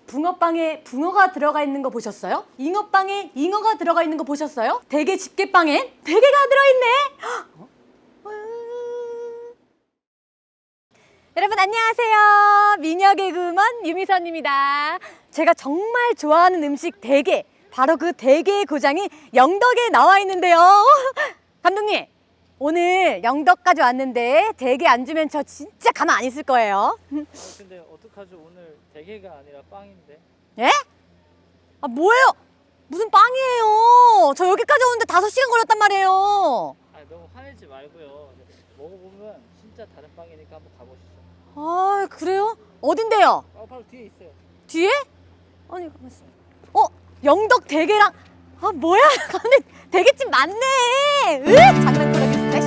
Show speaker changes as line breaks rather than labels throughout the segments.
붕어빵에 붕어가 들어가 있는 거 보셨어요? 잉어빵에 잉어가 들어가 있는 거 보셨어요? 대게 집게빵엔 대게가 들어있네. 여러분 안녕하세요. 미녀 개그우먼 유미선입니다. 제가 정말 좋아하는 음식 대게, 바로 그 대게의 고장이 영덕에 나와 있는데요. 감독님, 오늘 영덕까지 왔는데 대게 안 주면 저 진짜 가만 안 있을 거예요.
근데 어떡하죠? 오늘 대게가 아니라 빵인데.
예? 아 뭐예요? 무슨 빵이에요? 저 여기까지 오는데 5시간 걸렸단 말이에요.
아 너무 화내지 말고요. 먹어보면 진짜 다른 빵이니까 한번 가보시죠.
아 그래요? 어딘데요?
바로 뒤에 있어요.
뒤에? 아니 가만 있어. 영덕 대게랑 뭐야? 근데 대게집 맞네. 장난꾸러기 진짜.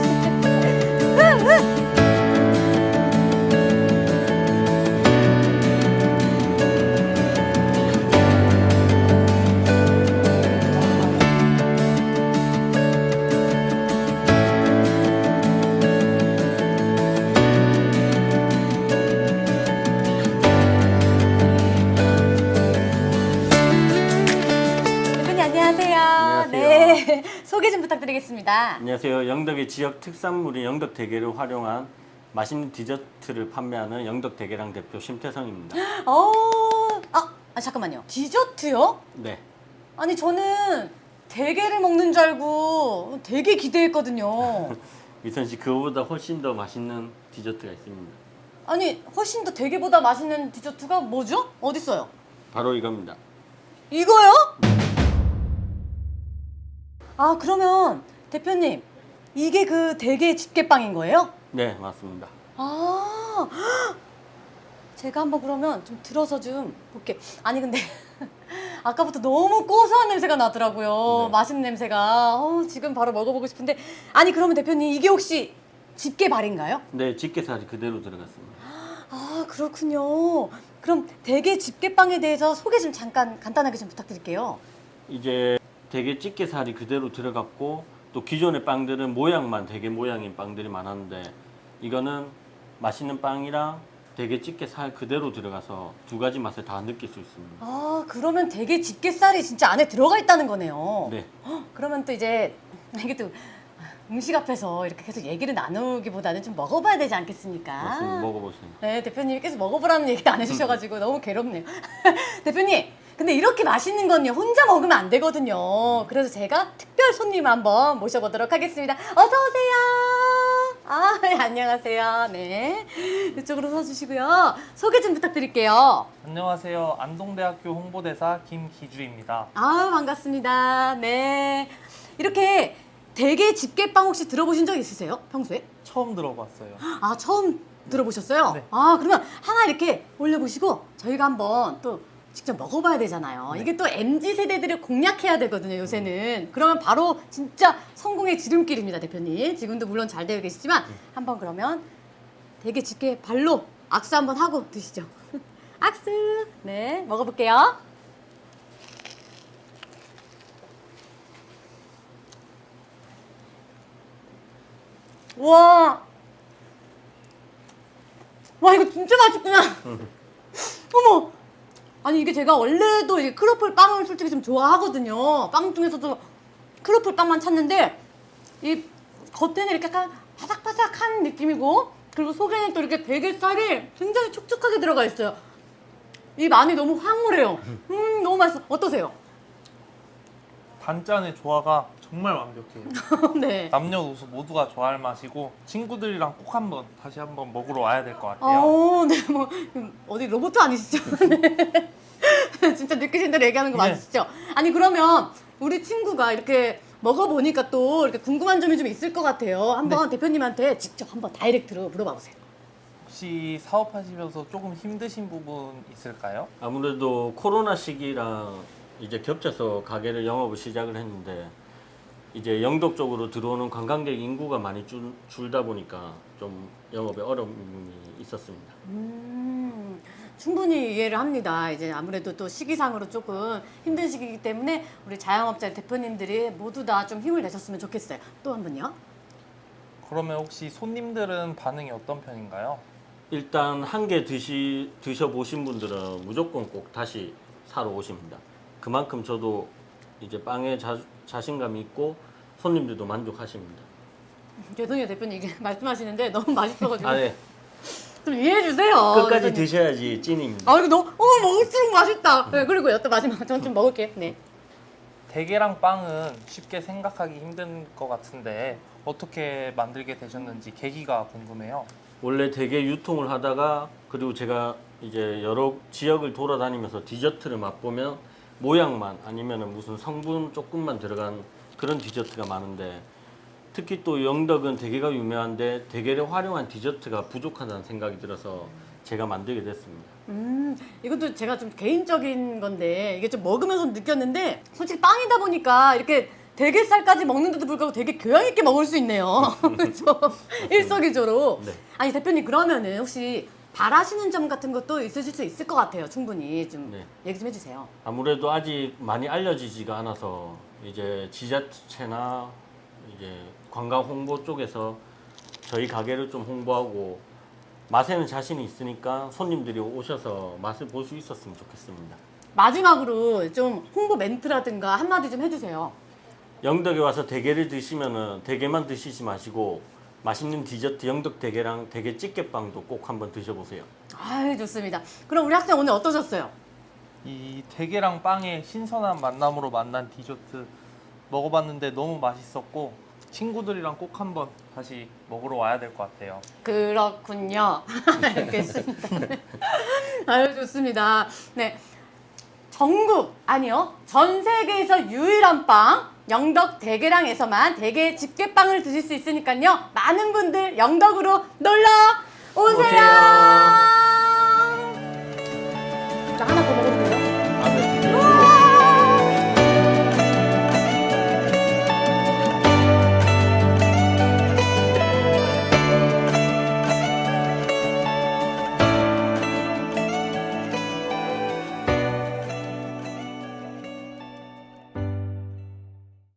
안녕하세요. 네, 소개 좀 부탁드리겠습니다.
안녕하세요. 영덕의 지역 특산물인 영덕 대게를 활용한 맛있는 디저트를 판매하는 영덕 대게랑 대표 심태성입니다.
잠깐만요. 디저트요?
네.
아니 저는 대게를 먹는 줄 알고 되게 기대했거든요.
미선 씨, 그거보다 훨씬 더 맛있는 디저트가 있습니다.
아니 훨씬 더 대게보다 맛있는 디저트가 뭐죠? 어디 있어요?
바로 이겁니다.
이거요? 아 그러면 대표님 이게 그 대게 집게빵인 거예요?
네, 맞습니다.
아 제가 한번 그러면 좀 들어서 좀 볼게. 아니 근데 아까부터 너무 고소한 냄새가 나더라고요.
네.
맛있는 냄새가. 지금 바로 먹어보고 싶은데. 아니 그러면 대표님 이게 혹시 집게발인가요?
네, 집게살이 그대로 들어갔습니다.
아 그렇군요. 그럼 대게 집게빵에 대해서 소개 좀 잠깐 간단하게 좀 부탁드릴게요.
이제 대게 집게살이 그대로 들어갔고, 또 기존의 빵들은 모양만 대게 모양인 빵들이 많았는데, 이거는 맛있는 빵이랑 대게 집게살 그대로 들어가서 두 가지 맛을 다 느낄 수 있습니다.
아 그러면 대게 집게살이 진짜 안에 들어가 있다는 거네요.
네.
그러면 또 이제 이게 또 음식 앞에서 이렇게 계속 얘기를 나누기보다는 좀 먹어봐야 되지 않겠습니까?
맞습니다. 먹어보세요.
네, 대표님이 계속 먹어보라는 얘기 안 해주셔가지고 너무 괴롭네요. 대표님, 근데 이렇게 맛있는 건요, 혼자 먹으면 안 되거든요. 그래서 제가 특별 손님 한번 모셔보도록 하겠습니다. 어서오세요. 네, 안녕하세요. 네. 이쪽으로 서주시고요. 소개 좀 부탁드릴게요.
안녕하세요. 안동대학교 홍보대사 김기주입니다.
반갑습니다. 네. 이렇게 대게 집게빵 혹시 들어보신 적 있으세요? 평소에?
처음 들어봤어요.
처음 들어보셨어요?
네.
그러면 하나 이렇게 올려보시고 저희가 한번 또 직접 먹어봐야 되잖아요.
네.
이게 또 MZ세대들을 공략해야 되거든요, 요새는. 그러면 바로 진짜 성공의 지름길입니다, 대표님. 지금도 물론 잘 되어 계시지만 한번 그러면 대게 집게 발로 악수 한번 하고 드시죠. 악수! 네, 먹어볼게요. 와, 이거 진짜 맛있구나. 어머, 아니 이게 제가 원래도 이 크로플 빵을 솔직히 좀 좋아하거든요. 빵 중에서도 크로플 빵만 찾는데 이 겉에는 이렇게 약간 바삭바삭한 느낌이고, 그리고 속에는 또 이렇게 대게살이 굉장히 촉촉하게 들어가 있어요. 입 안이 너무 황홀해요. 너무 맛있어. 어떠세요?
단짠의 조화가 정말 완벽해요.
네.
남녀노소 모두가 좋아할 맛이고 친구들이랑 꼭 다시 한번 먹으러 와야 될 것 같아요.
네, 뭐 어디 로봇 아니시죠? 네. 진짜 느끼신 대로 얘기하는 거
네.
맞으시죠? 아니 그러면 우리 친구가 이렇게 먹어보니까 또 이렇게 궁금한 점이 좀 있을 것 같아요. 한번 대표님한테 직접 한번 다이렉트로 물어봐 보세요.
혹시 사업하시면서 조금 힘드신 부분 있을까요?
아무래도 코로나 시기랑 이제 겹쳐서 가게를 영업을 시작을 했는데, 이제 영덕 쪽으로 들어오는 관광객 인구가 많이 줄다 보니까 좀 영업에 어려움이 있었습니다.
충분히 이해를 합니다. 이제 아무래도 또 시기상으로 조금 힘든 시기이기 때문에 우리 자영업자 대표님들이 모두 다 좀 힘을 내셨으면 좋겠어요. 또 한 번요.
그러면 혹시 손님들은 반응이 어떤 편인가요?
일단 한 개 드셔보신 분들은 무조건 꼭 다시 사러 오십니다. 그만큼 저도 이제 빵에 자신감이 있고 손님들도 만족하십니다.
죄송해요 대표님 이게 말씀하시는데 너무 맛있어가지고
아, 네.
좀 이해해 주세요.
끝까지
대표님.
드셔야지 찐입니다.
아 이거 너무 먹을수록 맛있다. 네, 그리고요 또 마지막 전 좀 먹을게요. 네.
대게랑 빵은 쉽게 생각하기 힘든 것 같은데 어떻게 만들게 되셨는지 계기가 궁금해요.
원래 되게 유통을 하다가 그리고 제가 이제 여러 지역을 돌아다니면서 디저트를 맛보면 모양만 아니면은 무슨 성분 조금만 들어간 그런 디저트가 많은데 특히 또 영덕은 대게가 유명한데 대게를 활용한 디저트가 부족하다는 생각이 들어서 제가 만들게 됐습니다.
이것도 제가 좀 개인적인 건데 이게 좀 먹으면서 느꼈는데 솔직히 빵이다 보니까 이렇게 대게살까지 먹는데도 불구하고 되게 교양 있게 먹을 수 있네요. 그렇죠? 일석이조로.
네.
아니 대표님 그러면은 혹시 바라시는 점 같은 것도 있으실 수 있을 것 같아요. 충분히 좀
네.
얘기 좀 해주세요.
아무래도 아직 많이 알려지지가 않아서 이제 지자체나 이제 관광 홍보 쪽에서 저희 가게를 좀 홍보하고 맛에는 자신이 있으니까 손님들이 오셔서 맛을 볼 수 있었으면 좋겠습니다.
마지막으로 좀 홍보 멘트라든가 한마디 좀 해주세요.
영덕에 와서 대게를 드시면은 대게만 드시지 마시고 맛있는 디저트 영덕 대게랑 대게 찌개빵도 꼭 한번 드셔보세요.
아 좋습니다. 그럼 우리 학생 오늘 어떠셨어요?
이 대게랑 빵의 신선한 만남으로 만난 디저트 먹어봤는데 너무 맛있었고 친구들이랑 꼭 한번 다시 먹으러 와야 될 것 같아요.
그렇군요. 알겠습니다. 아유 좋습니다. 네. 전국 아니요 전 세계에서 유일한 빵 영덕 대게랑에서만 대게 집게빵을 드실 수 있으니까요 많은 분들 영덕으로 놀러 오세요.